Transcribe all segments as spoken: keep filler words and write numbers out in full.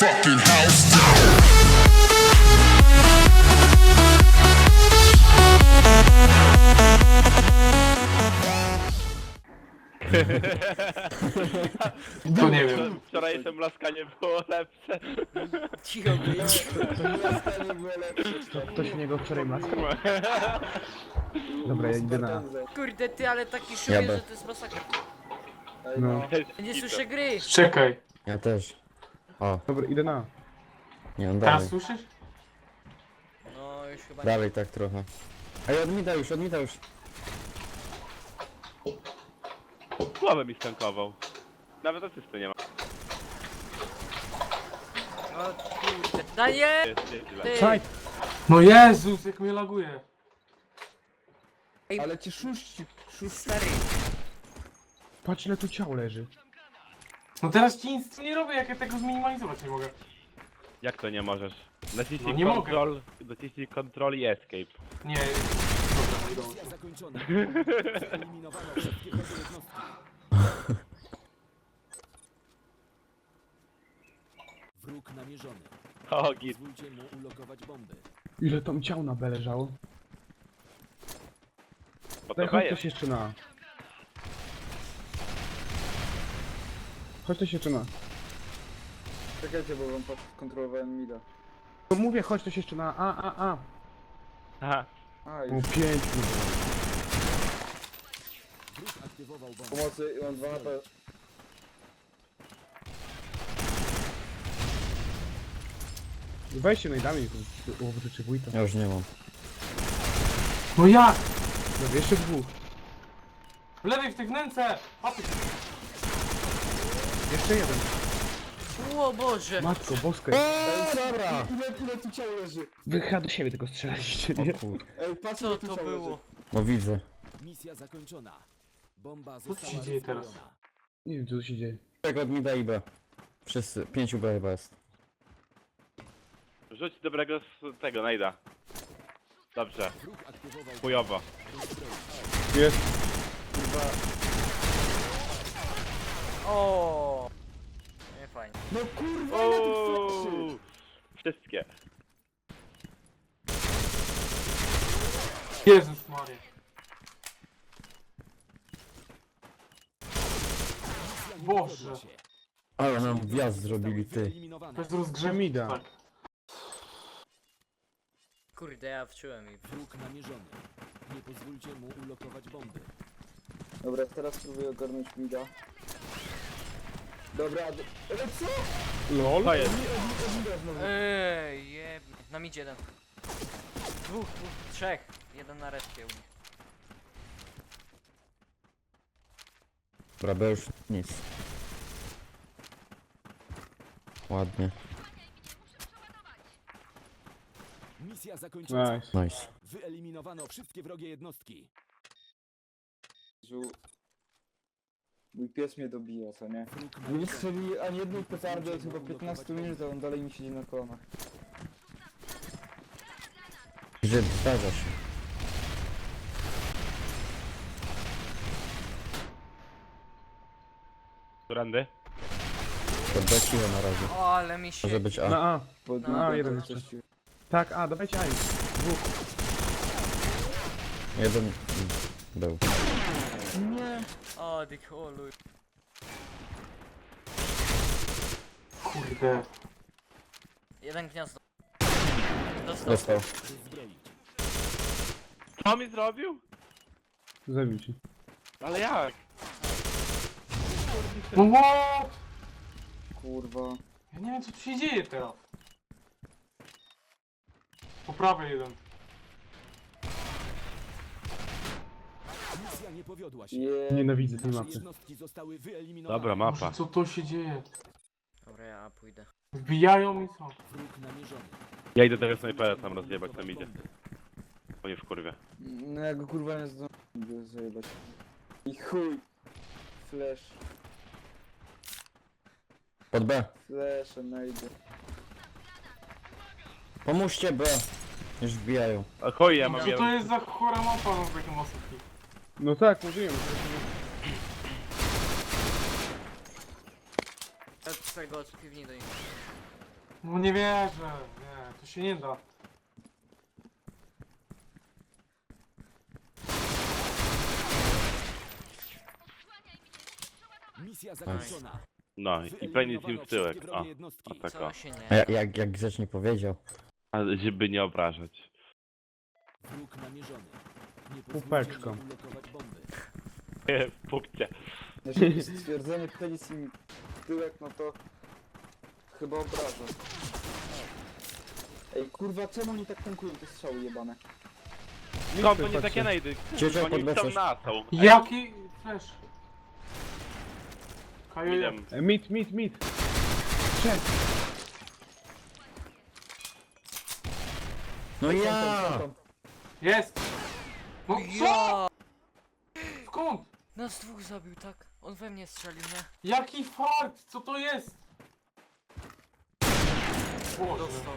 fucking house down. To nie wiem. Wczorajsze mlaskanie było lepsze. Cicho być. Ktoś w niego wczoraj maski? Dobra, ja idę na... Kurde ty, ale taki szum Ja jest, B. że to jest masakra. No. Ja nie słyszę gry. Czekaj. Ja też. O, Dobra, idę na... nie, on Teraz dalej. słyszysz? No już chyba nie. Dalej tak trochę. Ej, odmita już, odmita już. Głowę mi stankował. Nawet asysty nie ma. O kurde. Daję! Jest, jest źle. Ty! Czaj! No Jezus, jak mnie laguje. Ale ci szuści... Stary. Patrz ile tu ciał leży. No teraz ci nic nie robię, jak ja tego zminimalizować nie mogę. Jak to nie możesz? Naciśnij No nie mogę. control, naciśnij control i escape. Nie, dobra, nie udało się. Misja zakończona. Wyeliminowano wszystkie wrogie jednostki. Wróg namierzony. O, git. Pozwólcie mu ulokować bomby. Ile tam ciał na B leżało? Bo Daj, to chodź jest. też jeszcze na... Chodź też jeszcze na... Czekajcie, bo wam kontrolowałem mida. No mówię, chodź też jeszcze na A, A, A. Aha. A, O, już pięknie. Wróg aktywował bombę. pomocy i mam dwa H P. Weźcie najdami, to czy wójta. Ja już nie mam. No jak? Dobra, jeszcze dwóch. W lewej w tych wnęce! Papy. Jeszcze jeden. O Boże. Matko boska. O, dobra! Ile, ile tu ciał leży? Wy chyba do siebie tylko strzelaliście, nie? O kur... Ej, patrz Co ile tu to ciał było? leży. No widzę. Misja zakończona. Bomba Co tu została się dzieje teraz? rozbrojona. Nie wiem co tu się dzieje. Tak, odmita i B. Wszyscy, pięciu B chyba jest. Rzuć dobrego z tego, najda. Dobrze. Wróg aktywował Chujowo. Jest. O. Nie fajnie. No kurwa, ile tu fleszy? Uuu, wszystkie. Jezus Maria. Boże. Powiodła się. Ale nam wjazd zrobili, ty. Wyeliminowana. Bez rozgrzewki. Mida. Tak. Kurde, ja wczułem i... Wróg namierzony. Nie pozwólcie mu ulokować bomby. Dobra, teraz spróbuję ogarnąć mida. Dobra, d- ale co? LOL? To jest. Ej, jeb... Na midzie jeden. Dwóch, dwóch, trzech. Jeden na respie u nich. Dobra, B już nic. Ładnie. Misja zakończona. Nice. Nice. Wyeliminowano wszystkie wrogie jednostki. Żu- Mój pies mnie dobija, co nie? Wróg Nie namierzony. strzeli ani jednej petardy od chyba piętnaście minut, a on dalej mi siedzi na kolanach. Gdzie zdarza się. Którędy? To B cicho na razie. O, ale mi się... Może być A. Na A. Pod No, A, jeden coś jeszcze. ci- Tak, A, dawajcie A. Dwóch. Jeden był. O, dik, o luj. Kurde. Jeden gniazdo. Dostał. Dostał. Rozbroić. Co mi zrobił? Zabił ci. Ale jak? No what? Kurwa. Ja nie wiem co tu się dzieje teraz. Po prawej jeden. Misja nie powiodła się. Je... Nienawidzę tej Nasze mapy. jednostki zostały wyeliminowane. Dobra, Boże, mapa. co to się dzieje? Dobra, ja pójdę. Wbijają i co? Wróg namierzony. Ja idę tego snajpera tam rozjebać, tam idzie. Bo nie w kurwie. No ja go kurwa nie zdążę zajebać. I chuj. Flash. Pod B. Flash, najdę. Pomóżcie B. Już wbijają. A chuj, ja mam Co to jeden. jest za chora mapa no, z takim osobki? No tak, mówiłem. Ja od twojego od piwni do nich. No nie wierzę, nie, to się nie da. Misja zakończona. No i pewnie im w tyłek. Wyeliminowano O, wszystkie jednostki. o tak o. Co się A nie... jak, jak, jak grzecznie powiedział. Ale żeby nie obrażać. Wróg namierzony. Nie Pupeczką. pozwólcie mu ulokować bomby. W punkcie. Jeżeli stwierdzenie penis im w tyłek, no to chyba obraża. Ej, kurwa, czemu oni tak tankują te strzały jebane? Skąd to nie patrzcie. takie najdy? Ciociak Oni chcą podlecasz. na są. Jaki flash? Kaju, Idem. E, Mit, mit, mit. Trzech. No ja! jest! No co? Ja! Skąd? Nas dwóch zabił, tak? On we mnie strzelił, nie? Jaki fart? Co to jest? Boże, Dostał.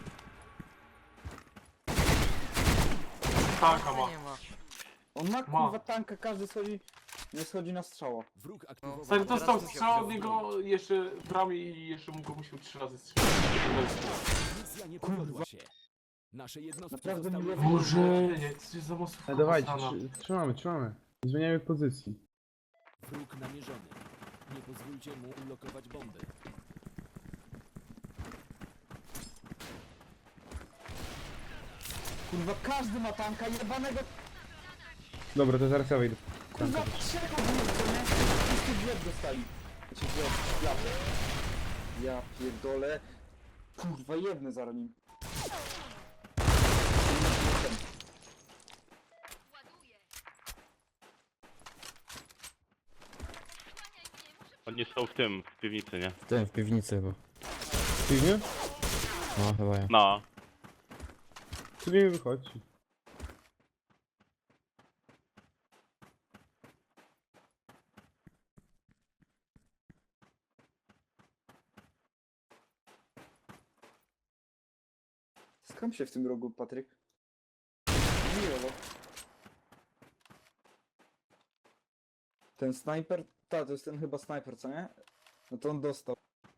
tanka ma. Nie ma. On ma kurwa tanka, każdy schodzi, nie schodzi na strzała. Wróg aktywował... Stary teraz dostał musiał strzał od go niego jeszcze w ramię i jeszcze mu go musiał trzy razy strzelić. Misja nie powiodła się. Nasze jednostki Naprawdę zostały... miło. Boże, nie, co jest za masówka E, dawajcie, posrana. trzy- trzymamy, trzymamy. Nie zmieniamy pozycji. Wróg namierzony. Nie pozwólcie mu ulokować bomby. Kurwa, każdy ma tanka jebanego, Dobra, to zaraz ja wejdę. kurwa, trzech ogólnie, co nie? Wszyscy drzwi dostali. Znaczy, drzwi, klapy. Ja pierdolę. Kurwa, jedne zaraz nim. Oni są w tym, w piwnicy, nie? W tym, w piwnicy chyba. Piwnie? No, chyba ja. No. Tu nie wychodzi. Skam się w tym rogu, Patryk. Miło. Ten snajper? Ta, to jest ten chyba snajper, co nie? No to on dostał.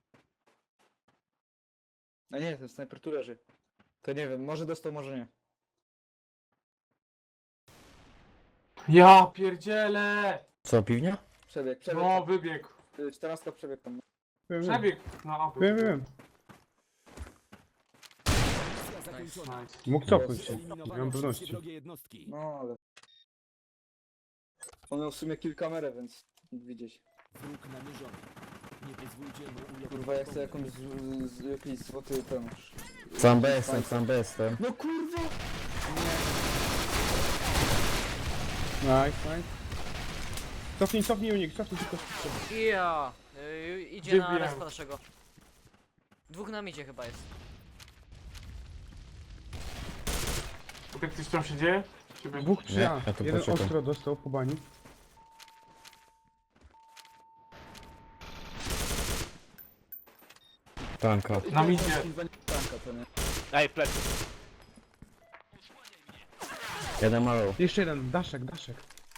A nie, ten snajper tu leży. To nie wiem, może dostał, może nie. Ja pierdzielę! Co, piwnia? Przebieg, przebieg. No, wybiegł. Y, czternastka przebieg tam. Wiem, wiem. Przebiegł na aby. Wiem, wiem. Misja zakończona. Nice. Mógł cofnąć się. Nie Wyeliminowano mam wszystkie pewności. wrogie jednostki. No ale... On miał w sumie kilka kamerę, więc mógł widzieć. Wróg namierzony. Nie pozwólcie mu ulokować Kurwa, ja chcę bomby. jakąś z, z, jakiś złoty ten... Sam B jestem, sam B jestem. No kurwa! Nice, nice. Cofnij, cofnij unik, cofnij tylko. Ja! Yy, idzie Gdzie na wbijam? respa naszego. Dwóch na midzie chyba jest. Jak coś tam się dzieje? Ciebie... Dwóch trzy Nie, A. ja tu Jeden poczekam. ostro dostał po bani. Tanka. Na midzie. Kurwa, nie tanka, to nie. Ej, plecy. Jeden malą. Jeszcze jeden, daszek, daszek.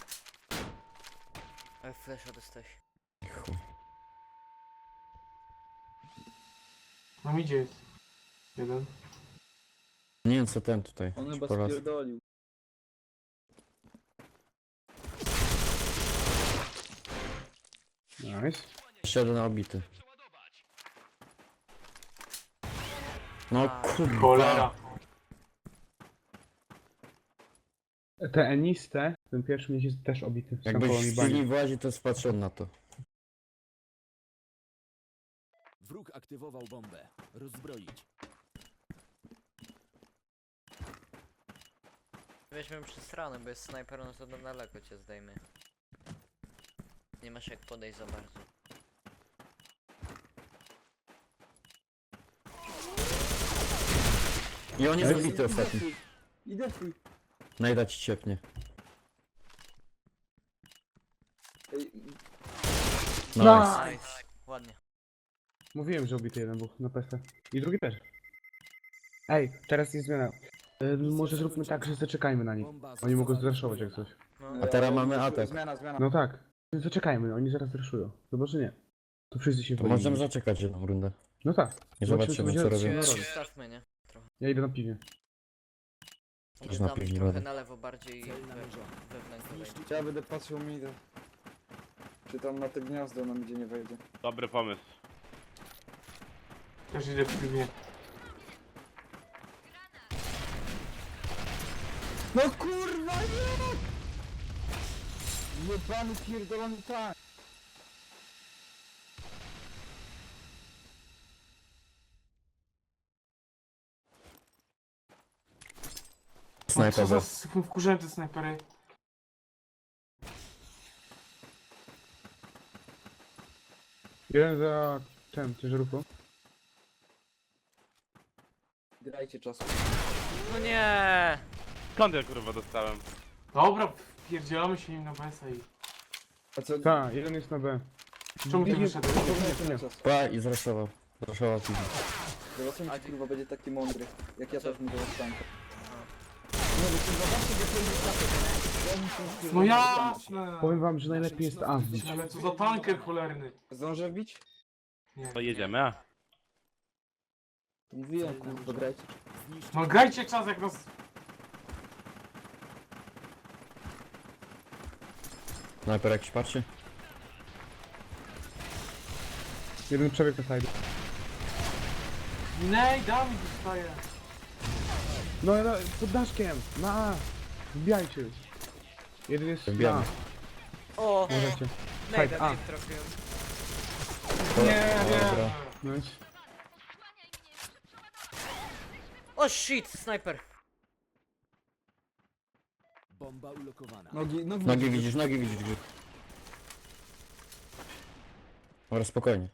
Ale flasha dostałeś. Chuj. Na midzie jest. Jeden. Nie wiem co ten tutaj. On Ci chyba po raz. spierdolił. Nice. Jeszcze jeden obity. No kurwa. Cholera. Te eniste, ten pierwszy mnie jest też obity. Sam Jakbyś koło mi w bani. chwili włazi, to spatrzył na to. Wróg aktywował bombę. Rozbroić. Weźmiemy przez stronę, bo jest snajper, no to na daleko cię zdejmie. Nie masz jak podejść za bardzo. I on jest Ej, obity ostatni. Idę twój. Najda ci ciepnie. Ej, Nice. Nice. Ładnie. Mówiłem, że obity jeden był na P C. I drugi też. Ej, teraz jest zmiana. E, może zróbmy tak, że zaczekajmy na nich. Bomba Oni mogą została zraszować jak rozbrojona. coś. No. A teraz ale- mamy atak. Zmiana, zmiana. No tak. Zaczekajmy, oni zaraz zraszują. Chyba, że nie. To wszyscy się To boimy. możemy zaczekać jedną rundę. No tak. I Zobaczymy, zobaczymy, co co będzie- robią. no, Eee, robię. Zostawmy, nie? Ja idę na piwie. Idę na tam pięć trochę razy. na lewo bardziej Cel we, namierzony. wewnętrznie. wejdę. Zniszczyć Ja będę patrzył mi idę. Czy tam na te gniazdo nam gdzie nie wejdzie. Dobry pomysł. Też idę w piwie. No kurwa nie! Jebany pierdolony tank! No Snajper co B. za wkurzałem te snajpery. Jeden za ten, ciężarówką. Grajcie czasu. No nie! Skąd ja kurwa dostałem? Dobra, pierdzielamy się im na B S a i... A co? Tak, jeden jest na B. Czemu ty Nie, wyszedłeś? Zapomniałem na czas. Pa i zraszował. Zraszował piwo. Zobaczymy czy kurwa będzie taki mądry. Jak ja Co? też mu do tanka. No bo czy zobaczcie go tej wystawy. No jasne! Powiem wam, że najlepiej jest A wbić. Ale co za tanker cholerny. Zdążę wbić? Nie. To jedziemy, a? To mówiłem kurwa grajcie. Zniszczyć No grajcie czas jak nas... Snajper jakiś patrzy? Jeden przebieg na side. Nej, Dawid dostaje. No, no, pod daszkiem! Na A! Wbijajcie! Jeden jest Wbijamy. na O! A. Możecie. Nejda, A. nie trafiłem. Nie, Dobra. nie. Nice. O shit, snajper! bomba ulokowana. Nogi, nogi. Nogi widzisz, nogi widzisz, Grzyb. Dobra, spokojnie.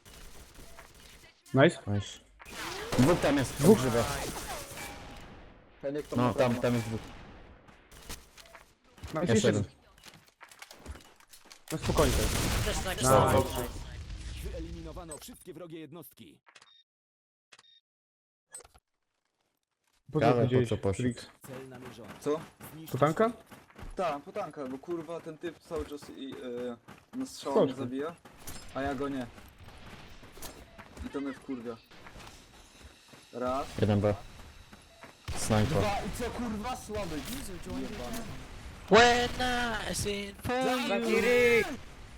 Nice. Nice. Dwóch tam jest, Dwóch. grzyba. Heniek to No, ma tam, prawo. tam jest dwóch. Nice, Jeszcze jeszcze jeden. jeden. No spokojnie. Też snajper. No. Dobrze. Wyeliminowano wszystkie wrogie jednostki. Po co Ale po powiedziałeś? co poszedł? Felix? Cel namierzony. Co? Zniszczyć To tanka? Tak, potanka, bo kurwa ten typ cały czas i yy, na strzał Chodźmy. mnie zabija, a ja go nie. I to mnie wkurwia. Raz. Jeden B. Snajper. Dwa i co kurwa słaby. Jebany. Zakiri!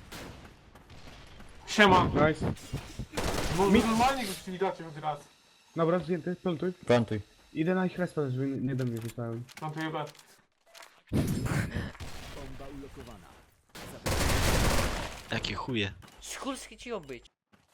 Siema. Nice. No normalnie go przywitacie od raz. Dobra, zdjęty, plantuj. Plantuj. Idę na ich respa, żeby nie do mnie wysłałem. Mam tu jebać. bomba ulokowana. Jakie chuje. Szkulski ci obyć.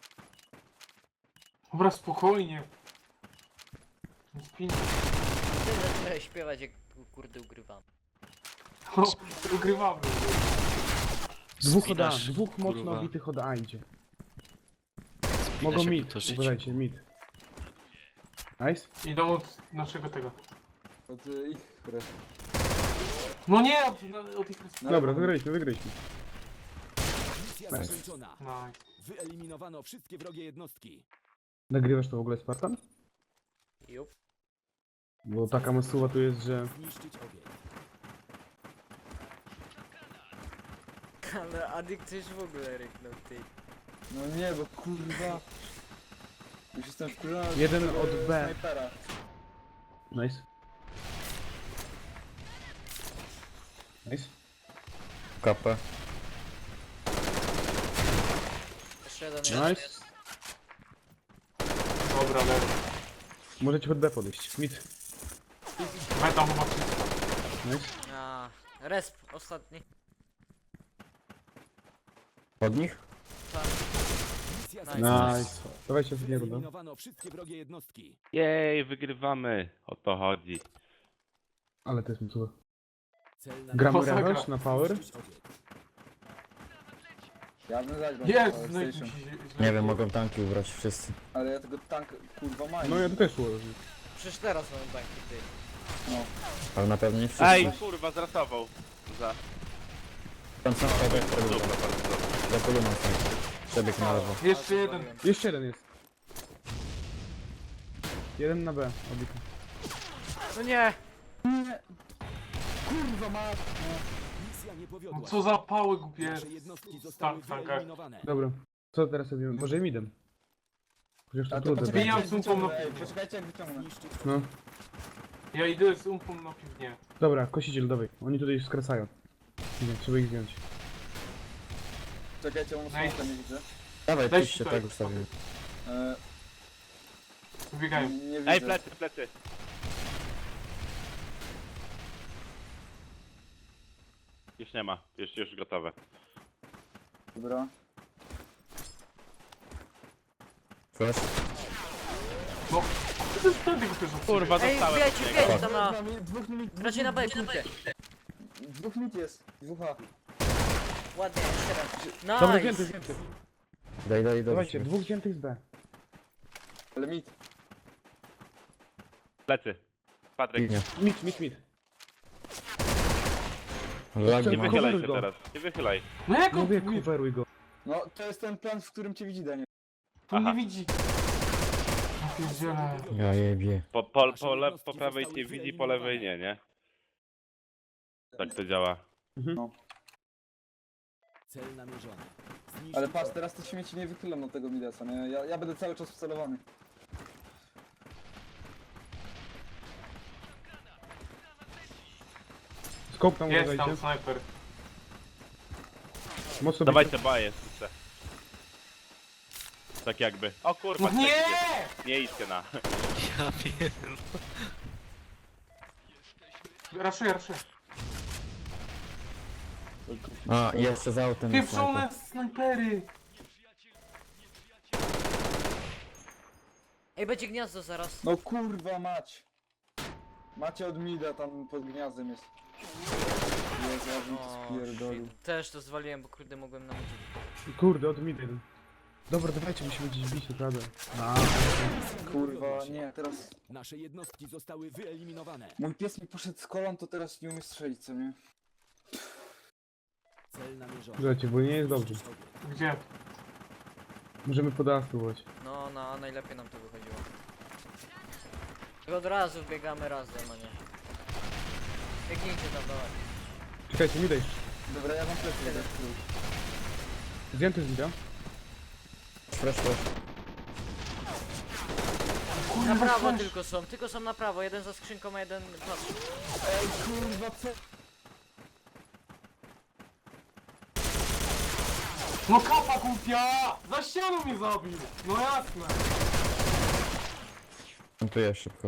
Dobra, spokojnie. Nie spinaj. Ty zacząłeś śpiewać jak kurde ugrywam. No, ugrywamy. Dwóch od A, Spinasz, dwóch mocno kurwa. obitych od A idzie. Spina Mogą się mid, po to życiu. uważajcie, mid. Nice. Idą od naszego tego. Od y, ich res. No nie, od, od ich... Na Dobra, lewo. wygraliśmy, wygraliśmy. Misja Nice. zakończona. Nice. Wyeliminowano wszystkie wrogie jednostki. Nagrywasz to w ogóle Spartan? Jup. Bo taka masuwa tu jest, że... Zniszczyć obiekt. Ale Adik coś w ogóle ryknął, ty. No nie, bo kurwa. Już jestem wkurzony. z Jeden tego od B. Snajpera. Nice. Nice. K P. Jeszcze jeden jest. Nice. Dobra, lewo. Możecie pod B podejść. Mid. Będą chyba wszystko. Nice. A, resp, ostatni. Od nich? Misja Nice. zakończona. Nice. Dawajcie ostatniego, no. Wyeliminowano wszystkie wrogie jednostki. Jej, wygrywamy. O to chodzi. Ale to jest masuwa. Cel Gramy Masakra. rewanż na power? Zniszczyć obiekt. Ja bym zagrał Jest, na no i PlayStation. Nie wiem, mogą tanki ubrać wszyscy. Ale ja tego tanka kurwa mam. No ja to też ułożę. Przecież teraz mamy banki, ty. Ale na pewno nie wszyscy. Ej, kurwa, zrasował. Za. Tam są snajper, Dobra, bardzo dobrze. za kolumną snajper. Przebieg na lewo. Jeszcze jeden. Jeszcze jeden jest. Jeden na B, obity. No nie! Kurwa ma. Misja nie No powiodła. co za pały głupie. Nasze jednostki zostały Stan w tankach. wyeliminowane. Dobra. Co teraz robimy? Może midem. Chociaż to A to trudne poczekajcie, Wbijam jak z umpą wyciągnę, na ej, piwnię. poczekajcie jak wyciągnę. Zniszczyć No. Ja idę z umpą na piwnię. Dobra, kosiciel, dawaj. Oni tutaj skracają. Nie, trzeba ich zdjąć. Czekajcie, mam Ej. smoka, nie widzę. Dawaj, Weź piszcie, tutaj. tak ustawimy. E, Wybiegają. nie widzę. Ej, plecy, plecy. Już nie ma, już, już gotowe. Dobra. Flash. No, to jest ten tego też Kurwa, Ej, dostałem wbijajcie, od niego. wbijajcie tam na... Dwóch mit, dwóch mit, Raczej na B, punkcie. dwóch mit jest. Dwóch A. Ładnie, jeszcze Dobra, raz. zdjęty, Nice! zdjęty. Daj, daj, daj. Dawajcie, dwóch zdjętych z B. Ale mit. Plecy. Patryk, Piwnia. Mit, mit, mit. Lagi nie mam. wychylaj coveruj się go. teraz, nie wychylaj. No jak on Mówię, mi, coveruj go. No, to jest ten plan, w którym cię widzi, Daniel. tu Aha. nie widzi? Ja pierdzielę. Ja jebie. Po, po, po, le, po prawej cię widzi, po lewej nie, nie? Tak to działa. cel namierzony. Zniszczyć Ale patrz, teraz te śmieci nie wychylą do tego Midasa, nie? Ja, ja będę cały czas wcelowany. Skop tam Jest tam uważajcie. snajper. Mocno Dawajcie baję, chcę. Tak jakby. O kurwa, No nie! tak, nie idźcie na. Ja pierdolę. Raszuję, raszuję. A, jeszcze za autem jest snajper. Pieprzone snajpery! Ej, będzie gniazdo zaraz. No kurwa mać. Macie od Mida, tam pod gniazdem jest. Jezu, aż mi to O, spierdolił. shit. Też to zwaliłem, bo kurde mogłem na motyw. Kurde, od mid jeden. Dobra, dawajcie, musimy gdzieś bić, naprawdę. A, Kurwa, nie, teraz... Nasze jednostki zostały wyeliminowane. Mój pies mi poszedł z kolan, to teraz nie umie strzelić, co nie? Cel namierzony. słuchajcie, bo nie jest dobrze. Zniszczyć obiekt. Gdzie? Możemy pod A spróbować. No, no, a najlepiej nam to wychodziło. I od razu biegamy razem, a nie. Biegnijcie tam, dawaj. Czekajcie, mi daj. Dobra, ja mam plecy. jeden. Zdjęty z mida. Flash, flash. Na prawo tylko są, tylko są na prawo. Jeden za skrzynką, a jeden patrz. Ej, kurwa, co? No kapa głupia! Za ścianą mnie zabił! No jasne! Montuję szybko.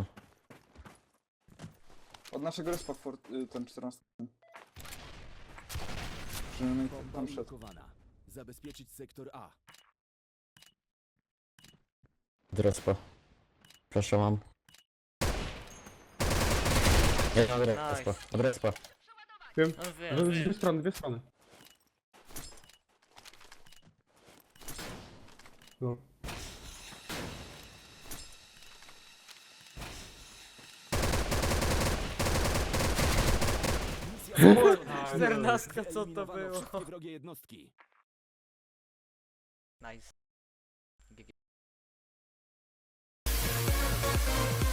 Od naszego respa fort, y, ten czternasty. Przynajmniej Bomba tam szedł. ulokowana. Zabezpieczyć sektor A. Drespa. Flasha mam. Ja od respa. Od respa. Wiem. No Że- wiem. Dwie strony, dwie strony. No. Misja czternastka, co to Wyeliminowano było? wszystkie wrogie jednostki. Nice. G G.